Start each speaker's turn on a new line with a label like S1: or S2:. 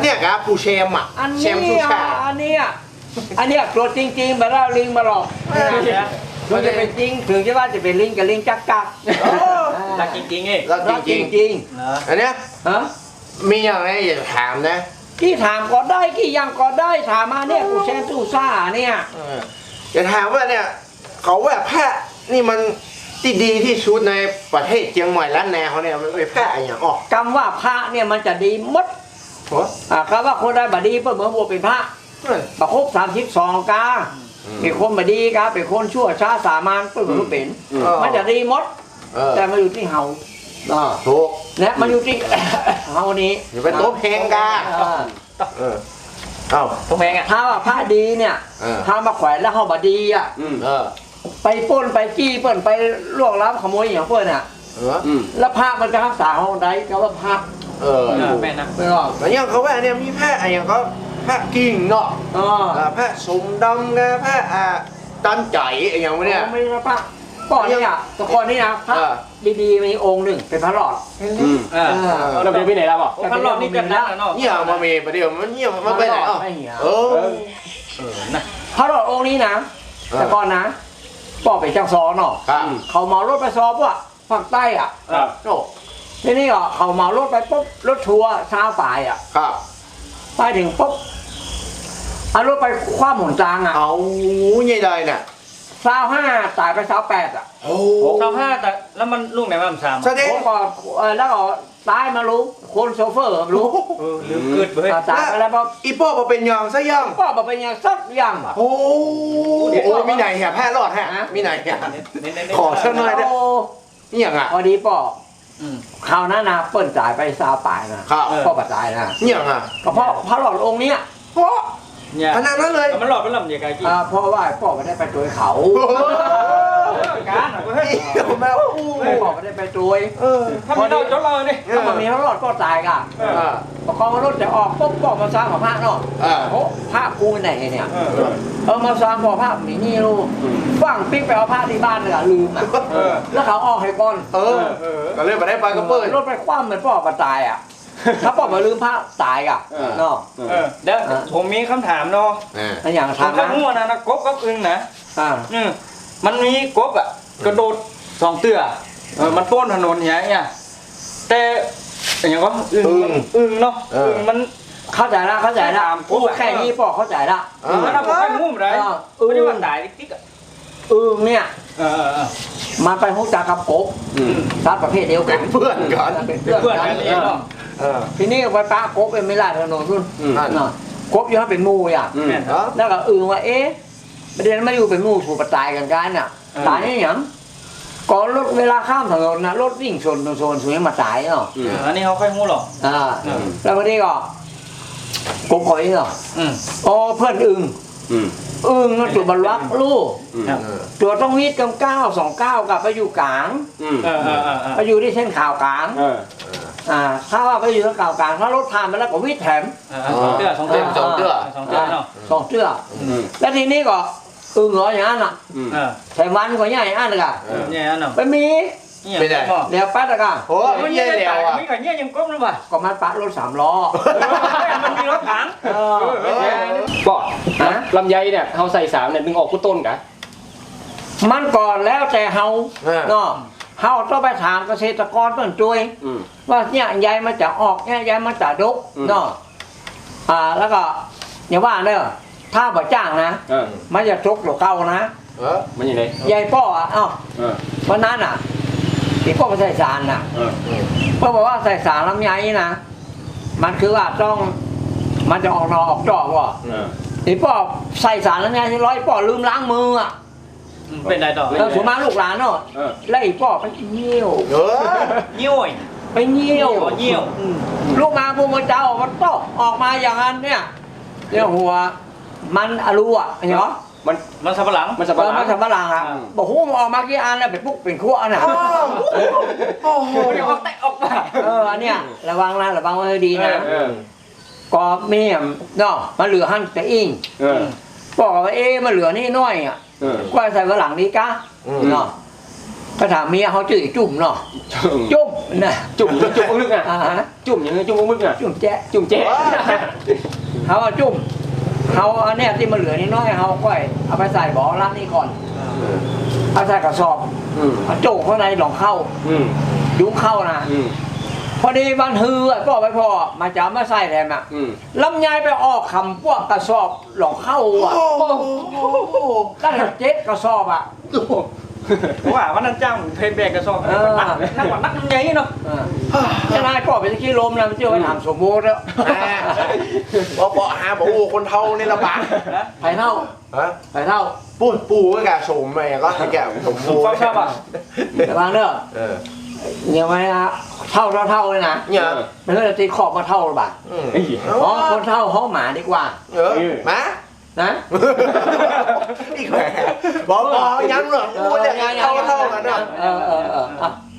S1: เนี้ยครับปูเชมอ่ะ
S2: อัน
S1: เช
S2: นี้
S1: มชูชา
S2: อันนี้ตัวจริงๆแบบว่าลิงมาหลอกมันจะเป็นจริงถึงจะว่าจะเป็นลิงกับลิงจักกัก
S3: รักจริงๆเอง
S1: แล้วจริง
S2: จริง
S1: อันเนี้ย
S2: ๆฮะ
S1: มีอย่างไรอยากถามนะ
S2: กี่ถามก็ได้กี่ยังก็ได้ถามมาเนี่ยกูแชร์ตู้ซ่าเนี่ย
S1: อยากถามว่าเนี่ยเขาว่าแพะนี่มันที่ดีที่สุดในประเทศเชียงใหม่ล้านนาเขาเนี่ยมันเป็นแพะอย่างออก
S2: คำว่าพระเนี่ยมันจะดีมด
S1: หัว
S2: คำว่าคนได้บดีเพื่อเหมือนบัวเป็นพระประคบ32 กาเป็นคนบดีกาเป็นคนชั่วช้าสามัญเพื่อเหมือนเป็นมันจะดีมดแต่มาอยู่ที่เฮา
S1: ถูก
S2: และมันอยู่ที่ เฮานี้
S1: อย่าไปโต๊ะเพลงกาเอ้า
S3: พวกแมงอ่ะ
S2: ถ้าว่าพระดีเนี่ยถ้ามาแขวนแล้วเฮาบดีอ่ะ ไปปล้นไปจี้เปิ้นไปล่วงล้ำขโมยอย่างเปิ้นอ่ะแล้วพระมันจะรักษาห้องใดก็ว่าพระ
S3: แม่นะ
S2: ไม่หรอก
S1: แล้วอย่างเขาว่าเนี่ยมีแพะอย่างเขาแพะกิ่งเนาะแพะสมดำไงแพะตันใจอย่างวะเนี่ย
S2: ไม่ใช่พระก่อนเนี่ยแต่ก่อนนี่นะพระดีๆมีองค์หนึ่งเป็นพระหลอด
S4: เราจะไปไหนแล้วบอก
S3: พระรอบนี้กันนะเนาะ
S1: เนี่ยมาเมย์ประเดี๋ยวมันเนี่ยมันไปไหนอ่ะ
S3: นะ
S2: พระหลอดองค์นี้นะแต่ก่อนนะป่อไปจังซอเนาะเขาเมารถไปซอพวกภาคใต้อ่ะ
S1: โอ้
S2: ทีนี้ก็เขาเมารถไปปุ๊บรถทัวร์เช้าป่ายอ่ะ
S1: ครับ
S2: ไปถึงปุ๊บเอารถไปคว้าหมุนจางอ่ะ
S1: เอาใหญ่เลยเนี่ย
S2: 25ตายไป28อ่ะ
S1: โอ้
S3: 25แต่แล้วมันลูกไหนมัน3
S1: แสดง
S2: ผมก็แล้วก็ตายมารู้คนโซเฟอร์รู้
S3: ลืมเกิดเบ้ย
S2: ตายไปแล้วปุ๊บ
S1: อีป้อมาเป็นยองซะยัง
S2: ก็บอกเป็นอย่างสักอย่างอ่ะ
S1: โอ้มีไหนแหะแพะรอดแฮะมีไหนแหะขอเชิญหน่อยได้นี่อย่างอ่ะ
S2: พอดีป่อคราวนั้นนะเปิ้นจ่ายไปซาป่ายนะครับ พ่อปัจจัยนะ
S1: นี่อย่างอ่ะ
S2: ก็เพราะพระหลอดองค์เนี้ย
S1: เพราะ
S3: เนี่ย
S1: ขนาดนั้นเลย
S3: มันหลอดเป็นลำใหญ่ไกลกี่
S2: เพราะว่าพ่อไม่ได้ไปตัวเขา
S3: การเฮ้ย
S1: แม่
S2: พ่อไม่ได้ไปตัว
S3: ถ้ามีเราจดเราเนี่ย
S2: ถ้ามันมีพระหลอดก็ตายกันพอรถจะออกปุ๊บก็มาสร้างของพระเนาะโอ้พระกูไหนเนี่ยมาสร้างพอพระมีนี่ลูกฟังปิ๊กไปเอาพระที่บ้านเลยลืมอ่ะแล้วเขาออกให้ก่อน
S1: ก็เลยมาได้ปลากระเปิด
S2: รถไปคว่ำเหมือนพ่อมาตายอ่ะถ้าพ่อมาลืมพระตายอ่ะเนาะ
S3: เดี๋ยวผมมีคำถามเนาะ
S2: อย่าง
S3: ผม
S2: ทาง
S3: ก็
S2: นะ
S3: มั่วนะกบกับอึงนะ
S2: อ่า
S3: มันมีกบอ่ะกระโดด2 เตื้อมันป้นถนนอย่างเงี้ยแต่อย่างก็อึงเนาะอึงมัน
S2: เข้าใจละโอ้แค่นี้พ่อเข้าใจละ
S3: แล้วเราไปงุ่มไรไม่ได้ว่าตายติ๊กอ่ะ
S2: เนี่ย มันไปหุกจากกับกบสัตว์ประเภทเดียวกัน
S1: เพื่อนกัน
S2: เป็นเพื่อนกันทีนี้ไปปะกบเป็นไม่ล่าถนนรุ่นกบอยู่ให้เป็นมูอ่ะแล้วก็ว่าประเด็นไม่อยู่เป็นมูถูกประจายกันกันน่ะตายนี่ยังก่อนรถเวลาข้ามถนนนะรถวิ่งชนสวยมาตายเนาะ
S3: อันนี้เขาค่อยงูหรอก
S2: แล้ววันนี้ก็กบหอยเนาะอ๋อเพื่อนนั่นตัวบรรลักลูกตัวต้องวิทย์กำ929กับไปอยู่กลางไปอยู่ที่เส้นข่าวกลางถ้าว่าไปอยู่ที่ข่าวกลางถ้ารถผ่านไปแล้วก็วิทย์แถม
S3: 2 เตื้อ2 เตื้อ
S1: 2 เตื้อ
S3: 2 เตื้อเนาะ
S2: 2 เตื้อแล้วทีนี้ก็เหรออย่างนั้นอ่ะแถมวันก็ใหญ่อันเลยอ่ะ
S3: เนี่ยเนาะ
S2: ไปมี
S1: ไม่ได้
S2: เดี๋ยวปั๊ดอะกัน
S1: โอ้ยใหญ่แล้วอ่ะ
S3: มีกับเนี่ยยังก้มหรือเปล่า
S2: ก็มันปั๊ดรถ3 ล้อ
S3: มันมีรถถัง
S4: ก็ลำไยเนี่ยเขาใส่สามเนี่ยดึงออกกู้ต้นกัน
S2: มันก่อนแล้วแต่เฮาเนาะเฮาต้องไปถามเกษตรกรเพิ่นช่วยว่าเนี่ยใยมันจะออกเนี่ยใยมันจะดกเนาะแล้วก็อย่าว่าเด้อถ้าบ่จ้างนะมันจะจกหรือเก่านะ
S4: มันยังไง
S2: ใยป้อเพราะนั้นอ่ะที่ป้อใส่สารน่ะป้อบอกว่าใส่สารลำไยนะมันคือว่าต้องมันจะออกนอออกดอกว่ะที่ป้อใส่สารลำไยที่ร้อยป้อลืมล้างมืออ่ะ
S3: เป็นไรต่อ
S2: แล้วสมมาลูกหลานเนาะแล้วอีป้อไปเยี่ยว
S3: เยี่ยว
S2: ไปเยี่ยว
S3: เยี่ยว
S2: ลูกมาพวกมันเจ้ามันต้องออกมาอย่างนั้นเนี่ยเรื่องหัวมันอรูอ่ะเห็นไหม
S3: มันสับปะหลัง
S4: มันสับปะหลัง
S2: มันสับปะหลังอ่ะบอกหูมันออกมากี่อันแล้วเป็นปุ๊กเป็นขั้วน่ะ
S1: โอ้โห
S3: เดี๋ยวออกแตะออกมา
S2: อันเนี้ยระวังนะระวังไว้ให้ดีนะก็เมียเนาะมันเหลือหั่นแต่อิงบอกว่ามันเหลือนี่น้อยอ่ะก็ใส่ฝรั่งนี้กะเนาะก็ถามเมียเขาจื่อจุ่มเนาะจุ่มน่ะ
S4: จุ่มอึกอ่ะ
S2: ฮะ
S4: จุ่มอย่างนี้จุ่มอึกอ่ะ
S2: จุ่มแจ๊ะ
S4: จุ่มเจ๊
S2: เขาเอาจุ่มเขาเอาเนี่ยที่มันเหลือนิดน้อยเขาก็เอาไปใส่บ่อร้านนี้ก่อนเอาใส่กระสอบ
S4: อืม
S2: เอาโจกข้างในหลองเข้า
S4: อืม
S2: ยุ้งเข้านะ
S4: อืม
S2: พอดีวันฮือก็ไปพอมาจะมาใส่แทนอ่ะ
S4: อืม
S2: ลำไยไปออกคำพวกกระสอบหลองเข้าอ่ะได้เจ็ดกระสอบอ่ะ
S3: เพราะว่าวันนั้นจ้างเพนแบกกระสอบนักกว่านักไงเนาะ
S2: จะนายก็ไปตะกี้ลมนะมันเชื่อไปถามสมบูรณ์แล้ว
S1: บอกหาบอกโอ้คนเท่านี่ลำบาก
S2: ไปเท่า
S1: ฮะ
S2: ไปเท่า
S1: ปูก็แกสมไปก็แกสมบู
S3: ฟังชอบอ่ะ
S2: แต่บางเด้อ
S1: เออ
S2: ยังไงนะเท่าเลยนะ
S1: เนี่ย
S2: มันก็จะตีขอบมาเท่าหรือเปล่าอ๋อคนเท่าห้องหมาดีกว่า
S1: เออมา
S2: นะ
S1: อีกแหมบอกย้ำเหรอกูเนี่ยเท่ากันเนาะ
S2: เออ